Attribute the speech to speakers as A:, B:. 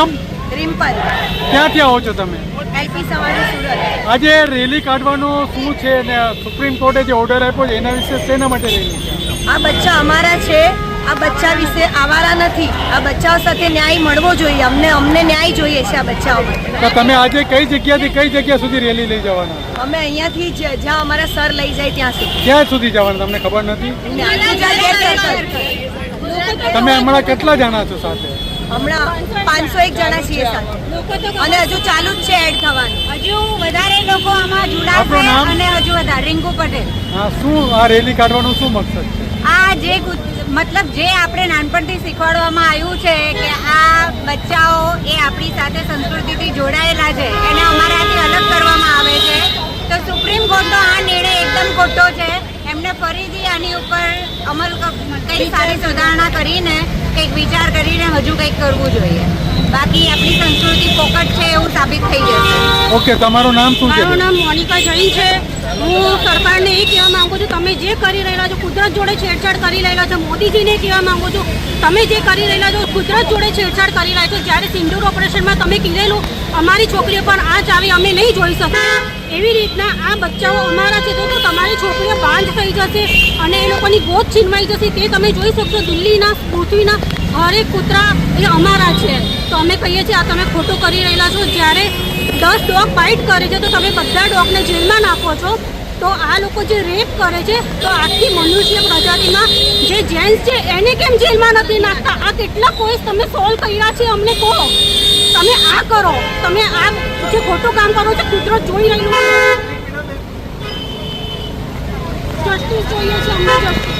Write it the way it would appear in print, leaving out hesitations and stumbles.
A: નામ?
B: રિમ્પલ,
A: ક્યાંથી આવો છો તમે?
B: એલપી સવાણી સુરત।
A: આજે રેલી કાઢવાનું શું છે ને સુપ્રીમ કોર્ટે જે ઓર્ડર આપ્યો છે એના વિશે શેના માટે રેલી છે?
B: આ બચ્ચા અમારા છે, આ બચ્ચા વિશે આવારા નથી। આ બચ્ચાઓ સાથે ન્યાય મળવો જોઈએ, અમને ન્યાય જોઈએ છે આ બચ્ચાઓ માટે।
A: તો તમે આજે કઈ જગ્યાથી કઈ જગ્યા સુધી રેલી લઈ જવાના?
B: અમે અહીંયાથી જ્યાં અમારા સર લઈ જાય ત્યાં સુધી।
A: ક્યાં સુધી જવાના તમને ખબર નથી? તમે હમણાં કેટલા જણા છો સાથે?
B: હમણાં 501 જણા છીએ સાથે, અને હજુ ચાલુ જ છે એડ થવાનું।
C: હજુ વધારે લોકો આમાં
A: આપણું
C: જોડાશે
A: નામ?
C: અને હજુ વધારે રિંકુ પટેલ।
A: હા, શું આ રેલી કાઢવાનું શું મકસદ છે?
C: આ જે મતલબ જે આપણે નાનપણથી શીખવાડવામાં આવ્યું છે કે આ બચ્ચાઓ એ આપણી સાથે સંસ્કૃતિથી જોડાયેલા છે, એને અમારાથી અલગ કરવામાં આવે છે, તો સુપ્રીમ કોર્ટનો આ નિર્ણય એકદમ ખોટો છે। એમને ફરીથી આની ઉપર અમલ કંઈક સારી સુધારણા કરીને કંઈક વિચાર કરીને હજુ કંઈક કરવું જોઈએ, બાકી આપણી સંસ્કૃતિ પોકટ છે એવું સાબિત થઈ જશે।
A: ઓકે, તમારું નામ શું છે?
D: મારું નામ મોનિકા જૈન છે। હું સરકારને એ કહેવા માંગુ છું, તમે જે કરી રહેલા છો, કુદરત જોડે છેડછાડ કરી રહેલા છો। મોદીજીને કહેવા માંગુ છું, તમે જે કરી રહેલા છો કુદરત જોડે છેડછાડ કરી રહ્યા છો। જ્યારે સિંદૂર ઓપરેશનમાં તમે કીધેલું અમારી છોકરીઓ પર આંચ આવી અમે નહીં જોઈ શકીએ, એવી રીતના આ બચ્ચાઓ અમારા છે તો તમારી છોકરીઓ બાંધ થઈ જશે અને એ લોકોની ગોદ છીનવાઈ જશે, તે તમે જોઈ શકશો। દિલ્હીના પૃથ્વીના હરેક કૂતરા એ અમારા છે, તો અમે કહીએ છીએ આ તમે ખોટું કરી રહેલા છો। જ્યારે 10 ડોગ બાઇટ કરે છે તો તમે બધા ડોગને જેલમાં નાખો છો, તો આ લોકો જે રેપ કરે છે તો આખી મનુષ્ય પ્રજાતિમાં જે જેન્ટ્સ છે એને કેમ જેલમાં નથી નાખતા? આ કેટલા કેસ તમે સોલ્વ કર્યા છે અમને કહો। તમે આ કરો, તમે આ જે ખોટું કામ કરો છો, કુદરત જોઈ રહ્યું છે। જસ્ટિસ જોઈએ છે અમને, જસ્ટિસ।